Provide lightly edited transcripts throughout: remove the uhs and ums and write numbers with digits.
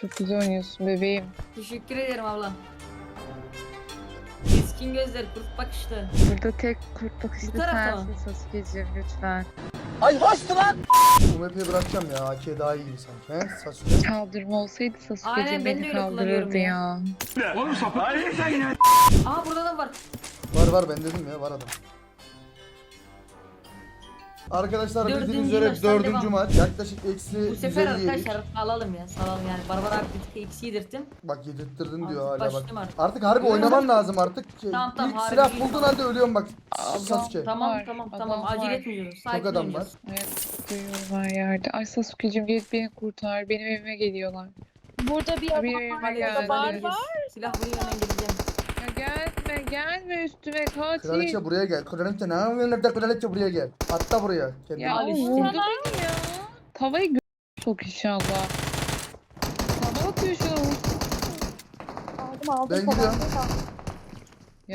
Çok güzel oynuyorsun bebeğim. Teşekkür ederim abla. Keskin gözler, kurt bakışlı. Burada tek kurt bakışlı Bu tarafta mı? sensin Sasuke'cim lütfen. UMP'yi bırakacağım ya. AK daha iyi gibi sanki. He? Sasuke. Kaldırma olsaydı Aynen, Sasuke'cim ben de beni öyle kullanıyorum kaldırırdı ya. Aa burada da var. Var ben dedim ya, var adam. Arkadaşlar bildiğiniz Dördüncü üzere maçtan 4. devam. maç. Yaklaşık eksi Bu sefer 150 yedik. arkadaşlar alalım ya, salalım yani. Barbar abi bir tık eksi yedirttim. Bak yedirttirdin diyor Artık hala bak. başladım artık. Artık harbi Yok. oynaman lazım artık. Tamam, İlk harbi silah iyi, bulduğun tamam. halde ölüyorum bak Adam- Sasuke. Tamam Var, tamam adam tamam, acele var. etmiyoruz. Sakin adam oynayacağız. Evet duyuyorum her yerde. Ay Sasuke'cim gel beni kurtar. Benim evime geliyorlar. Burada bir adam Bir var. evime Halledeceğiz, geldi. halledeceğiz. Silah buraya hemen geleceğim. Ya gelme üstüme katil. Kraliçe buraya gel. Kraliçe ne yapıyorsun evde? Kraliçe buraya gel. Atla buraya. Kendini. Ya Al işte. vurdu beni ya. Tavayı sok inşallah. Tava atıyor şu an. Aldım. Ben gidiyorum. Ya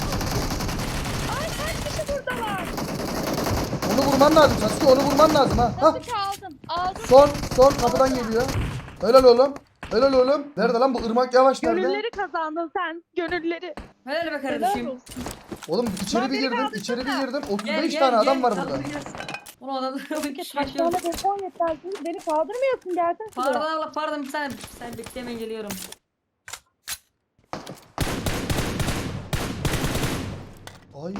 Onu vurman lazım Sasuke, onu vurman lazım ha. Hah. Aldım. Aldım. Son kapıdan geliyor. Helal oğlum. Helal oğlum. Nerede lan bu Irmak Yavaş nerede? Gönülleri kazandın sen. Gönülleri. Helal be Helal kardeşim. olsun. Oğlum içeri Lan bir beni girdim, kaldırsana. içeri bir girdim. Gel 35 gel tane gel. adam var burada. Kaldıracağız. Onu adam Peki kaç tane beton yetersiz. Beni kaldırmıyorsun. Gelsene Pardon şuraya. abla, pardon, bir saniye. Sen bekle, hemen geliyorum. Ay.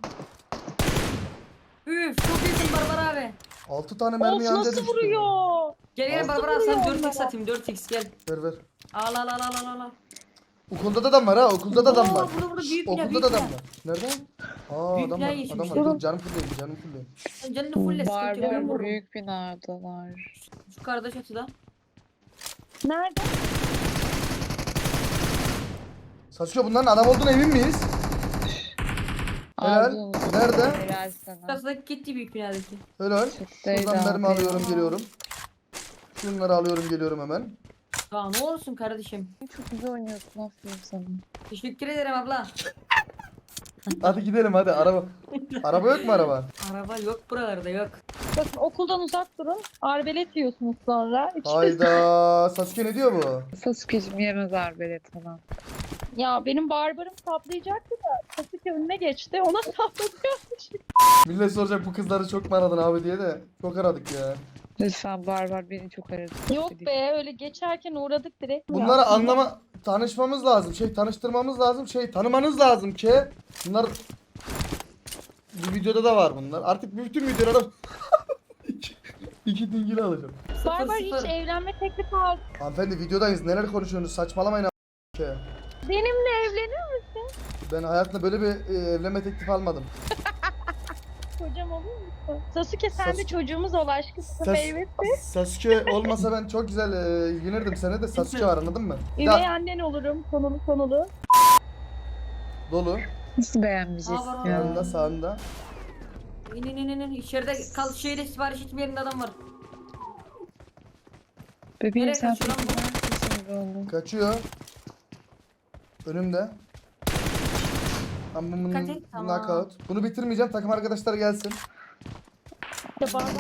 Üf, çok iyisin Barbar abi. 6 tane mermi Of yanca nasıl düştü. vuruyor? Gel Nasıl Barbar abi, sana vuruyor 4x onlara? atayım, 4x gel. Ver. Al al al al al al. Okulda da adam var ha, okulda da adam Oo, var. burada Şşş, büyük bina, okulda büyük da adam bina. var. Nerede? Aa Büyük adam bina var, geçmiş. adam var. Dur canım fulleyim. Sen canını fulle, sıkıntı yok, ben barbar vururum. büyük binadalar. Şu kardeş çatıda. Nerede? Sasuke bunların adam olduğuna emin miyiz? Helal. Aldın. Nerede? Helal sana. Çatıdaki gitti, büyük binadaki. Helal. Çatıdaydı Şuradan mermi abi. alıyorum geliyorum. Şunları alıyorum geliyorum hemen. Daha ne olsun kardeşim. Çok güzel oynuyorsun aferin sana. Teşekkür ederim abla. Hadi gidelim hadi araba. Araba yok mu araba? Araba yok buralarda, yok. Bakın okuldan uzak durun. Arbelet yiyorsunuz sonra. Hayda. Sasuke ne diyor bu? Sasuke'cim yemez arbelet falan. Ya benim barbarım saplayacaktı da Sasuke önüne geçti. Ona saplatıyormuş. Millet soracak bu kızları çok mu aradın abi diye de. Çok aradık ya. Lütfen barbar beni çok aradı. Yok be öyle geçerken uğradık direkt. Bunları tanışmamız lazım. Tanıştırmamız lazım. Tanımanız lazım ki. Bunlar bu videoda da var bunlar. Artık bütün videolarda iki dingili alacağım. Barbar Sıfır, hiç sıfır. evlenme teklifi aldı. Hanımefendi videodayız. Neler konuşuyorsunuz? Saçmalamayın ki. Benimle evlenir misin? Ben hayatımda böyle bir evlenme teklifi almadım. Kocam olur musun? Sasuke sen de Sasuke- çocuğumuz ol aşkımsın Sas- meyvesi. Sasuke olmasa ben çok güzel ilgilenirdim. Sene de Sasuke var anladın mı? Üvey Ya annen olurum konulu. dolu. Nasıl beğenmeyeceksin Aa, var, ya? Sağında sağında. İn. İçeride kal, şeyle sipariş etme yerinde adam var. Bebeğim Nereye sen kaçıyor lan bu? çok oğlum. Kaçıyor. Önümde. Ama Dikkat et, tamam. knockout. Bunu bitirmeyeceğim. Takım arkadaşlar gelsin. İşte barbar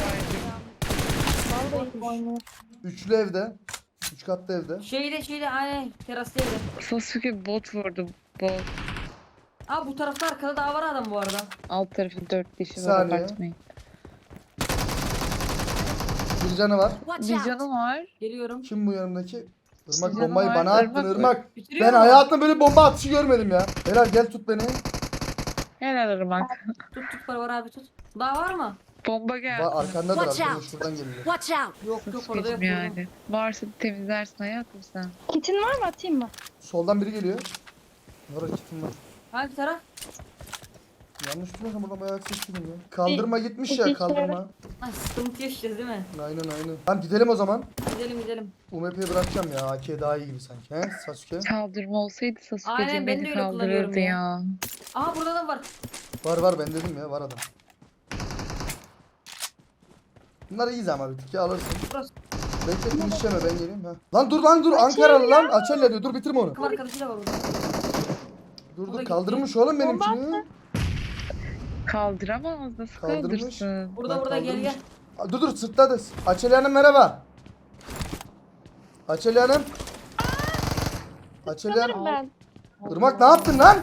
vallahi oynuyor. Üçlü evde. Üç katlı evde. Şeyde aynen terasta evde. Sasuke bot vurdu. Bot. Aa bu tarafta arkada daha var adam bu arada. Alt tarafı 4 kişi var Saniye. abartmayın. Bir canı var. Bir canı var. Geliyorum. Kim bu yanımdaki? Irmak Canı bombayı var, bana attın Irmak. Irmak. Bitiriyor Ben mu? hayatımda böyle bomba atışı görmedim ya. Helal gel tut beni. Helal Irmak. Tut Barbar abi tut. Daha var mı? Bomba geldi. Arkandadır Watch arkadaş out. şuradan geliyor. Watch out! Yok orada yok. Sasuke'cim vurdum. yani. Varsa temizlersin hayatım sen. Kitin var mı atayım mı? Soldan biri geliyor. Var kitim var. Hangi taraf? Yanlış tutmasam buradan bayağı ses ya. Kaldırma gitmiş ya bir kaldırma. Ay sıkıntı yaşayacağız değil mi? Aynen. Tamam gidelim o zaman. Gidelim. UMP'yi bırakacağım ya. AK daha iyi gibi sanki. He Sasuke? Kaldırma olsaydı Aynen, Sasuke'cim ben de beni öyle kullanıyorum kaldırırdı ya. ya. Aa burada da var. Var ben dedim ya var adam. Bunlar iyiyiz ama bir tık ya alırsın. Burası. Bekle inişeme ben geleyim ha. Lan dur Ankaralı lan. Açelya diyor dur bitirme onu. Takım arkadaşı da var burada. Dur kaldırmış oğlum benimkini. Kaldıramaz nasıl Kaldırmış. kaldırsın? Burada gel. Dur sırtladı. Açelya'nın merhaba. Açeli Hanım. Açeli Hanım. Sanırım ben. Irmak ne yaptın lan?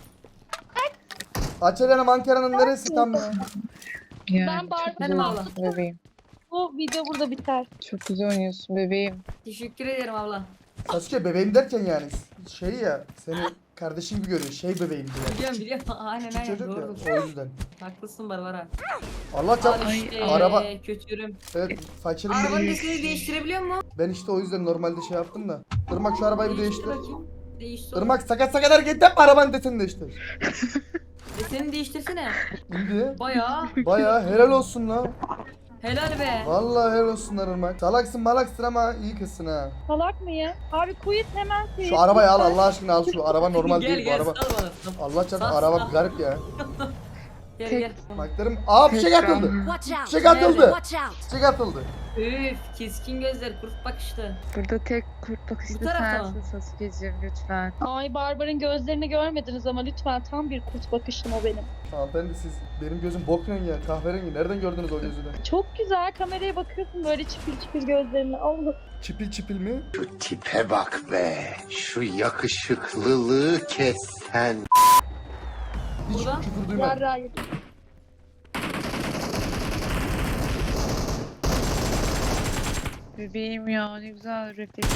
Açeli Hanım Ankara'nın neresi tam? Yani Ben çok Barbie güzel Benim oynuyorsun bebeğim. Bu video burada biter. Çok güzel oynuyorsun bebeğim. Teşekkür ederim abla. Sasuke bebeğim derken yani şey ya seni kardeşin gibi görüyor. Şey bebeğim diye. Biliyorum biliyorum. Aynen Küçük aynen çocuk doğrudur. ya o yüzden. Haklısın Barbara. Allah çarp. Al işte araba. kötürüm. Evet fakirim Arabanın benim. deseni değiştirebiliyor mu? Ben işte o yüzden normalde şey yaptım da. Irmak şu arabayı bir Değiştir değiştir. bakayım. Değiştir. Irmak sakat sakat hareket yapma arabanın deseni değiştir. Deseni değiştirsene. İndi. Bayağı. Baya helal olsun la. Helal be. Vallahi helal olsun lan Irmak. Salaksın malaksın ama iyi kızsın ha. Salak mıyım? Abi quit hemen quit. Şu arabayı al Allah aşkına al şu araba normal Gel değil bu gel araba. sal bana. Allah çarpsın Sal, araba sal. garip ya. Gel Tek- gel. Baklarım aa fişek atıldı. Watch out! Fişek atıldı. Watch out! Fişek atıldı. Üf keskin gözler kurt bakışlı. Burada tek kurt bakışlı Bu tarafta mı? sensin Sasuke'cim lütfen. Ay Barbar'ın gözlerini görmediniz ama lütfen tam bir kurt bakışlım o benim. Hanımefendi siz benim gözüm bok rengi ya kahverengi nereden gördünüz o gözü de? Çok güzel kameraya bakıyorsun böyle çipil çipil gözlerini. Allah. Çipil çipil mi? Şu tipe bak be. Şu yakışıklılığı kes sen. Hiç Burada? küfür duymadım. Yarrağı yedim. Bebeğim ya ne güzel refleks.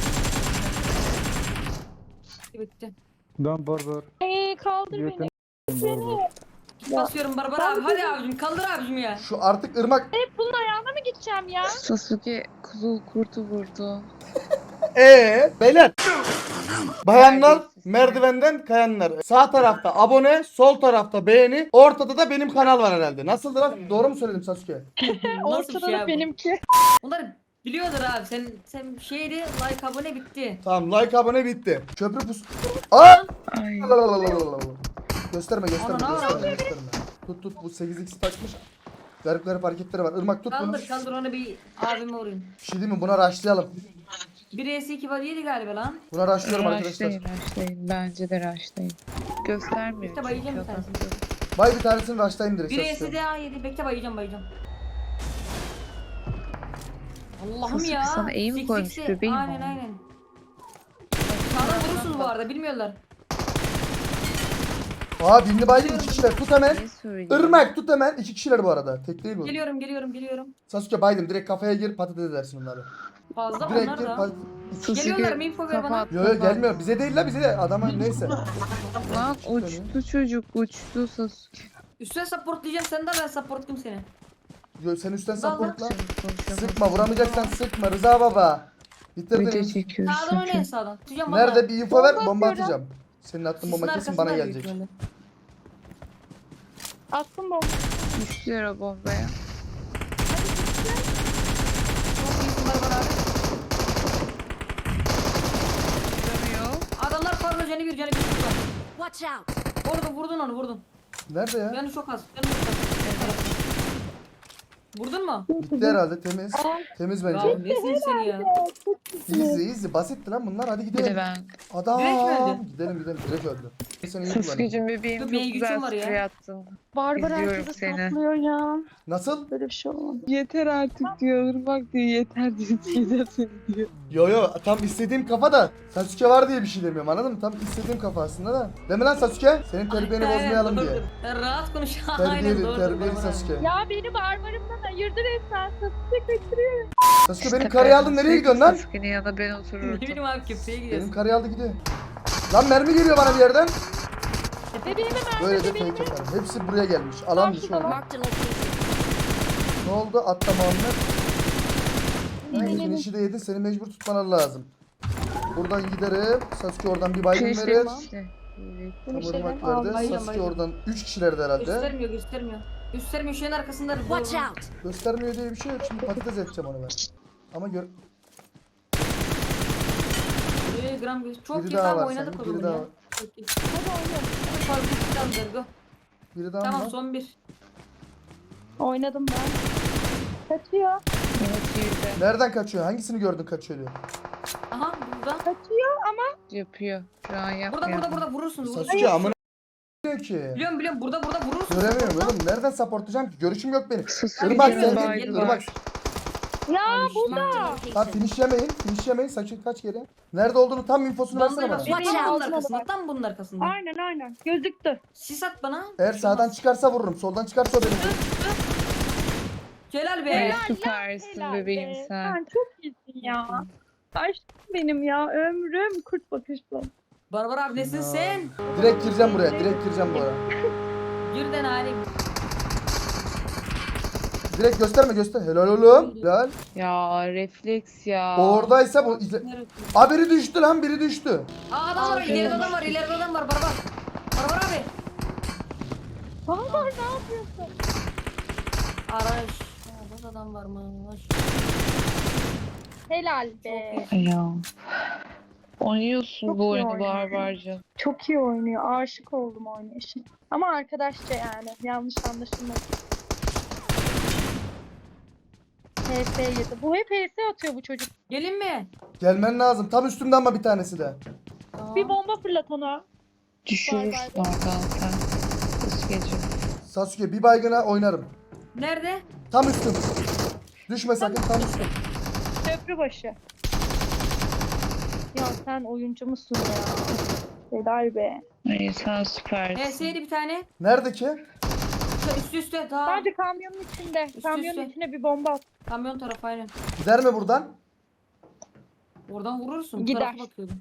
Bitti. Dan barbar. Kaldır beni. Barbar. Basıyorum Barbara abi. Hadi abicim kaldır abicim ya. Şu artık ırmak. Hep bunun ayağına mı gideceğim ya? Sasuke kuzul kurtu vurdu. Beyler. Bayanlar merdivenden kayanlar. Sağ tarafta abone, sol tarafta beğeni, ortada da benim kanal var herhalde. Nasıldı lan? Doğru mu söyledim Sasuke? Nasıl bir Ortada şey da abi? benimki. Bunlar biliyordur abi. Sen şeydi like abone bitti. Tamam like abone bitti. Köprü pus. Aa! Ay. Gösterme gösterme Ana, gösterme gösterme. Tut bu 8x takmış. Garip garip hareketleri var. Irmak tut bunu. Kaldır onu bir abime vurayım. Bir şey değil mi? Buna rushlayalım. 1s2 var yedi galiba lan. Buna rushlıyorum arkadaşlar. Raşlayın. Bence de raşlayın. Göstermiyor. İşte bayılacağım bir çünkü tanesini. Bay bir tanesini rushlayayım direkt. 1s Sasuke. daha yedi. Bekle bayılacağım. Allah'ım Sasuke ya. sana eğim Sik, koymuş sik, sik. bebeğim Aynen o. aynen. Sağdan vurursunuz bu arada bilmiyorlar. Aa birini baydım 2 kişiler. Tut hemen. Ne söyleyeyim? Irmak tut hemen. 2 kişiler bu arada. Tek değil bu. Geliyorum. Sasuke baydım. Direkt kafaya gir patates edersin onları. Fazla Direkt onlar gir da. patates. Sasuke Geliyorlar mı? Info ver bana. kapat, Yo kapat. gelmiyor. Bize değil la bize de. Adama neyse. Lan uçtu çocuk uçtu Sasuke. Üstüne supportlayacağım sen de ben supportlayayım seni. Yo, sen üstten Vallahi. supportla. Konuşamadım. Sıkma vuramayacaksan sıkma Rıza baba. Video Bitirdiniz. çekiyoruz. Sağdan oynayın sakın. sağdan. Tutacağım Nerede bir info ver Bomba bomba atıyorum. atacağım. Senin attığın Sisin bomba kesin arkasından bana büyük gelecek. ihtimalle. Attım bomba. Düştüler o bombaya. Çok iyisin Barbar abi. Dönüyor. Adamlar fazla canı bir var. Watch out! Vurdun onu vurdun. Nerede ya? Canı çok az. Canı çok az. Vurdun mu? Bitti herhalde temiz. Temiz Ya bence. nesin sen ya? Easy basitti lan bunlar hadi Bir gidelim. de ben. Adam. Direkt mi öldü? Gidelim direkt öldü. Sen iyi kullanın. Sasuke'cim bebeğim Dur, çok benim güzel gücüm var ya. sprey attın. Barbar İzliyorum herkese seni. saplıyor ya. Nasıl? Böyle bir şey olmaz. Yeter artık diyor. Irmak diyor. Yeter diyor. Yeter seni diyor. Yo tam istediğim kafa da Sasuke var diye bir şey demiyorum anladın mı? Tam istediğim kafa aslında da. Değil mi lan Sasuke? Senin terbiyeni Aynen, bozmayalım dur, diye. dur. Sen rahat konuş. Aynen Terbiyeli, doğru. terbiyeli Barbar abi. Sasuke. Ya beni barbarımdan ayırdı resmen. Sasuke kaçırıyor. Sasuke benim karıyı aldın nereye gidiyorsun lan? Sasuke'nin yanında ben Ne otururdum. bileyim abi köprüye Benim gidiyorsun. karıyı aldı gidiyor. Lan mermi geliyor bana bir yerden. Bebeğime Böyle de fake yaparım. Hepsi buraya gelmiş. Alan dışı oldu. Marked a location. Ne oldu? Atla Muhammed. İyi. Finişi de yedin. Seni mecbur tutmalar lazım. Buradan giderim. Sasuke oradan bir baygın verir. Finişlerim işte. Evet. Tam Finişlerim. ırmak Al, verdi. bayılacağım, Sasuke bayılacağım. oradan 3 kişilerdi herhalde. Göstermiyor şeyin arkasında. Watch out! Göstermiyor diye bir şey yok. Şimdi patates edeceğim onu ben. Ama Gram çok biri iyi daha tamam var oynadık o sanki. Biri zaman daha ya. var. Çok iyi. Hadi oynayalım. Hadi fazla bir tane go. Biri daha Tamam mı var? son bir. Oynadım ben. Kaçıyor. Evet yüzde. Nereden kaçıyor? Hangisini gördün kaçıyor diyor. Aha burada. Kaçıyor ama Yapıyor. Şu an yapmıyor. Burada vurursunuz. Sasuke amına diyor ki. Biliyorum burada vurursunuz. Göremiyorum oğlum. Nereden supportlayacağım ki? Görüşüm yok benim. Sasuke'nin Irmak Geliyor, sen geliyor. Irmak. Ya burada. Lan finish yemeyin. Finish yemeyin. Saçın kaç kere. Nerede olduğunu tam infosunu versene bana. Watch Tam bunun out. arkasında. Tam bunun arkasında. Aynen gözüktü. Sis at bana. Eğer sağdan çıkarsa vururum. Soldan çıkarsa o benim. Celal be. Ay, süpersin Helal bebeğim be. sen. Sen çok iyisin ya. Aşkım benim ya ömrüm kurt bakışlı. Barbar abi nesin Ya. sen? Direkt gireceğim buraya. Direkt gireceğim bu ara. Girden halim. Direkt gösterme göster. Helal oğlum. Helal. Ya refleks ya. Oradaysa bu izle. Aa biri düştü lan. Biri düştü. Aa adam var, ileride adam var, ileride adam var. Barbar. Barbar abi. Barbar ne yapıyorsun? Araç. Burada adam var mı? Helal be. Ya. Oynuyorsun Çok bu iyi oyunu oynuyor. barbarca. Çok iyi oynuyor. Aşık oldum oynayışa. Ama arkadaşça yani. Yanlış anlaşılmasın. PS yedi. Bu hep PS atıyor bu çocuk. Gelin mi? Gelmen lazım. Tam üstümde ama bir tanesi de. Tamam. Bir bomba fırlat ona. Düşürürsün Bay bay. oradan sen. Kız Sasuke bir baygına oynarım. Nerede? Tam üstüm. Düşme sakın tam üstüm. Köprü başı. Ya sen oyuncu musun ya? Helal be. Ay sen süpersin. HS'ydi bir tane. Nerede ki? Üstü üstte. Daha. Sadece kamyonun içinde. Kamyonun üste. içine bir bomba at. Kamyon tarafı aynen. Gider mi buradan? Oradan vurursun. Bu Gider. tarafa bakıyordum.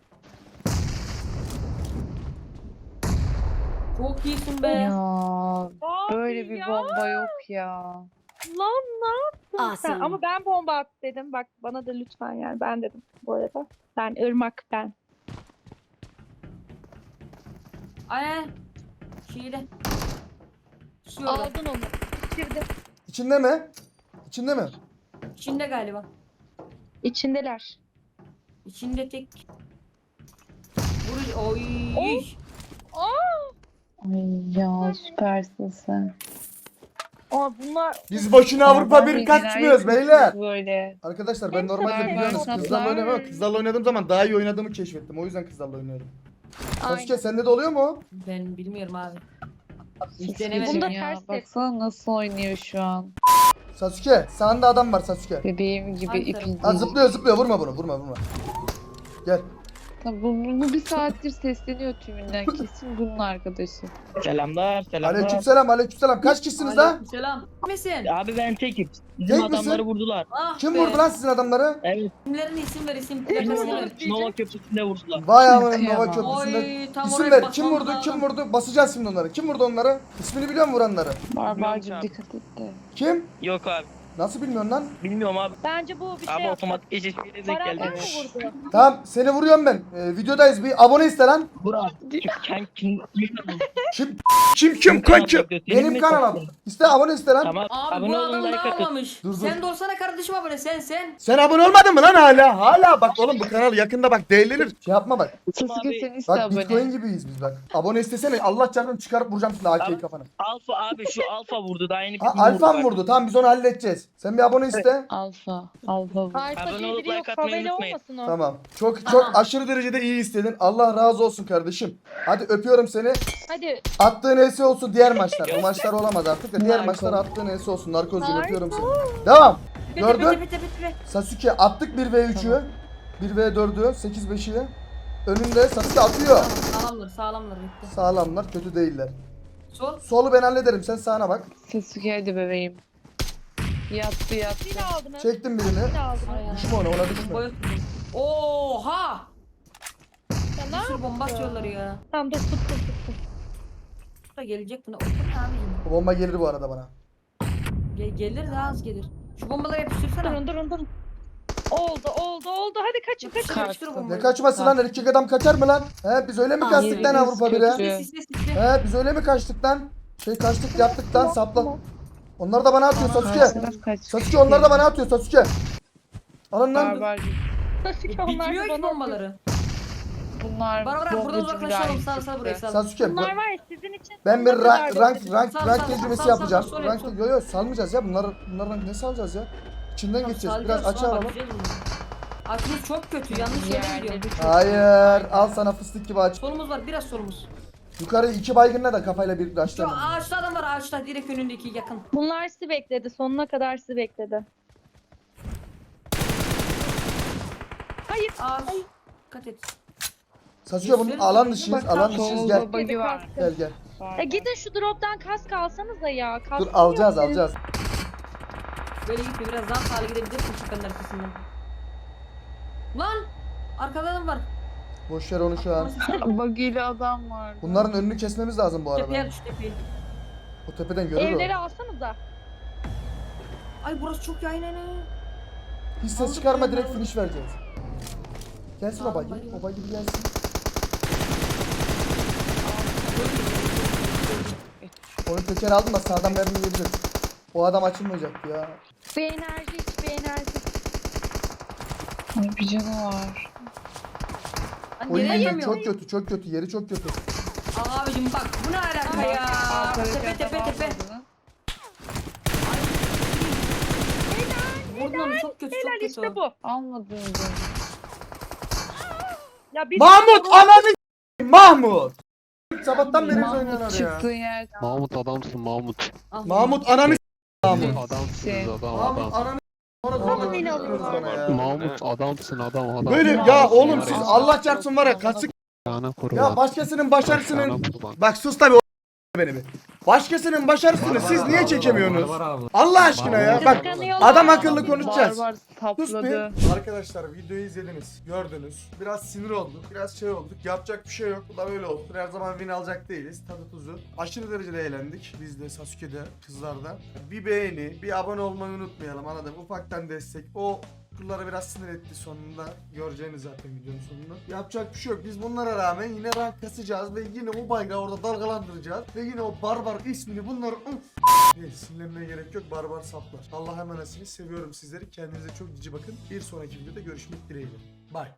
Çok iyisin be. Ya Abi böyle bir ya. bomba yok ya. Lan ne yaptın sen? Awesome. Ama ben bomba at dedim. Bak bana da lütfen yani. Ben dedim bu arada. Ben Irmak ben. Aynen. Şeyde. Şu yolda. Aldın onu. Bitirdi. İçinde mi? İçinde mi? İçinde galiba. İçindeler. İçinde tek. Vuruş. Oy. Ay ya süpersin sen. Aa bunlar Biz boşuna Avrupa Barbar 1 bilgiler kaçmıyoruz yapıyorsunuz beyler. Böyle. Arkadaşlar ben Hepsi normalde barbar biliyorsunuz saplar. kızlarla oynamıyorum. Kızlarla oynadığım zaman daha iyi oynadığımı keşfettim. O yüzden kızlarla oynuyorum. Sasuke sende de oluyor mu? Ben bilmiyorum abi. Hiç Sasuke'cim denemedim. Bunu da ya. ters et. Baksana nasıl oynuyor şu an. Sasuke sağında adam var Sasuke. Bebeğim gibi Hangi ipi. Ha zıplıyor vurma bunu vurma. Gel. Bu bir saattir sesleniyor tümünden. Kesin bunun arkadaşı. Selamlar. Aleykümselam. Kaç kişisiniz lan? Selam. Misin? Abi ben tekim. Bizim Tek misin? adamları vurdular. Ah Kim be. vurdu lan sizin adamları? Evet. İsimlerini isim ver isim. Bizim Plakasını ver. Nova Köprüsü'nde vurdular. Vay amına Kıyamam. Nova Köprüsü'nde. Oy tam İsim oraya ver. basmam Kim vurdu? lazım. Kim vurdu? Basacağız şimdi onları. Kim vurdu onları? İsmini biliyor musun vuranları? Barbarcım abi. dikkat et de. Kim? Yok abi. Nasıl bilmiyorsun lan? Bilmiyorum abi. bence bu bir şey Abi yaptı. otomatik eşleşmeyle denk Baran geldi. mı vurdu? Tamam seni vuruyorum ben. Videodayız bir abone iste lan. Burak. Kim? Kim kanki? Benim kanalım. İste abone iste lan. Tamam. Abi Abone bu olun, adam like daha atın. almamış. Dur. Sen de olsana kardeşim abone sen. Sen abone olmadın mı lan hala? Hala bak oğlum bu kanal yakında bak değerlenir. Şey yapma bak. Sasuke abi. sen iste Bak abone. Bitcoin gibiyiz biz bak. Abone istesene Allah çarpını çıkarıp vuracağım şimdi AK'yi Abi. kafana. Alfa abi şu Alfa vurdu. Daha yeni bir Ha, gün Alfa mı bak. vurdu? Tamam biz onu halledeceğiz. Sen bir abone iste. Alfa bu. Alfa Abone diye olup biri yok. like atmayı Favela unutmayın. olmasın o. Tamam. Çok Tamam. aşırı derecede iyi istedin. Allah razı olsun kardeşim. Hadi öpüyorum seni. Hadi. Attığın ES olsun diğer maçlar. Bu maçlar olamaz artık da diğer Narko. maçlar attığın ES olsun. Narkozcuğum Narko. öpüyorum seni. Devam. Gördün? Bitti. Sasuke attık 1v3'ü. 1v4'ü. 8-5'i. Önünde Sasuke atıyor. Sağlamlar bitti. Sağlamlar kötü değiller. Sol. Solu ben hallederim. Sen sağına bak. Sasuke hadi bebeğim. Yattı. Yine aldın. Çektim birini. Yine aldın. Düşme ona düşme. Boy. Oha! Ya ne Bir sürü bomba yaptın? atıyorlar ya. Tamam dur tut. Bu da gelecek buna. O ne abicim? O bomba gelir bu arada bana. Gelir daha az gelir. Şu bombaları yapıştırsana. Durun. Oldu. Hadi kaçın. Yapıştır o bombayı. Ne kaçması lan? Erkek adam kaçar mı lan? He biz öyle mi kaçtık lan Avrupa 1'e? Sisle. He biz öyle mi kaçtık lan? Kaçtık yaptık lan sapla. Onlar da bana atıyor Sasuke. Kaç. Sasuke onlar da bana atıyor Sasuke. Alın lan. Barbarcım. Sasuke onlar Bitmiyor da ki bana bombaları. Bunlar Bana bırak buradan bombacı uzaklaşalım. mülayim Sal buraya sal. Sasuke Bunlar var ya sizin için. ben bir sonuna kadar rank bekledim. tecrübesi Sal, yapacağım. sal, Rank sal. yo salmayacağız ya. Bunlardan ne salacağız ya? İçinden geçeceğiz. Biraz açı alalım. Açımız çok kötü. Yanlış yere gidiyor. yerleri çok. Hayır. Al sana fıstık gibi aç. Solumuz var. Biraz solumuz. Yukarı 2 baygınla da kafayla bir Şu açtım. ağaçta adam var. Ağaçta direkt önündeki yakın. Bunlar sizi bekledi. Sonuna kadar sizi bekledi. Hayır. Aa, dikkat et. Sasuke bunun alan dışıyız. Alan dışıyız Solda gel. bug'i var. Gel. Gidin şu drop'tan kask alsanıza ya. Kask Dur alacağız. Böyle gitme, biraz daha sağlı gidebilirsin tepenin arkasından. Lan! Arkada adam var. Boş ver onu şu an. Bug'iyle adam var. Bunların önünü kesmemiz lazım bu Tepeye arada. düş, tepeye. O tepeden görür o. Evleri alsanıza. Ay burası çok yayın. Hiç ses çıkarma, direkt finish vereceğiz. Gelsin o bagi. O bagi bir gelsin. Onu teker aldım da sağdan mermi yiyebilir. O adam açılmayacak ya. Bir enerji iç, bir enerji. Ay bir canı var. Oy Nereye yemiyor? çok kötü. Yeri çok kötü. Abicim bak bu ne alaka ya? Tepe. Vurdun onu, çok kötü, çok Helal kötü. işte bu. Almadım. Ya biz Mahmut ananı Mahmut. Sabahtan beri biz oynuyorlar Mahmut ya. çıktığı yerden. Mahmut adamsın Mahmut. Ah, Mahmut ananı Mahmut. Adamsınız adam Mahmut adam. ananı Ama beni alıyorlar. bana ya. Mahmut adamsın adam. Böyle ya oğlum siz Allah çarpsın var ya kasık Yana kurban. ya başkasının başarısını Yana kurban. bak sus tabi beni bir. Başkasının başarısını siz niye çekemiyorsunuz? Allah aşkına ya bak Kıskanıyorlar. adam akıllı konuşacağız. Barbar Sus tapladı. bir. Arkadaşlar videoyu izlediniz, gördünüz. Biraz sinir olduk, biraz şey olduk. Yapacak bir şey yok. Bu da böyle oldu. Her zaman win alacak değiliz. Tadı tuzu. Aşırı derecede eğlendik. Biz de Sasuke'de, kızlarda. Bir beğeni, bir abone olmayı unutmayalım. Anladım. Ufaktan destek. O kızları biraz sinir etti sonunda. Göreceğiniz zaten videonun sonunda. Yapacak bir şey yok. Biz bunlara rağmen yine rank kasacağız ve yine o bayrağı orada dalgalandıracağız. Ve yine o barbar ismini bunları neyse sinirlenmeye gerek yok. Barbar saplar. Allah'a emanetsiniz. Seviyorum sizleri. Kendinize çok cici bakın. Bir sonraki videoda görüşmek dileğiyle. Bye.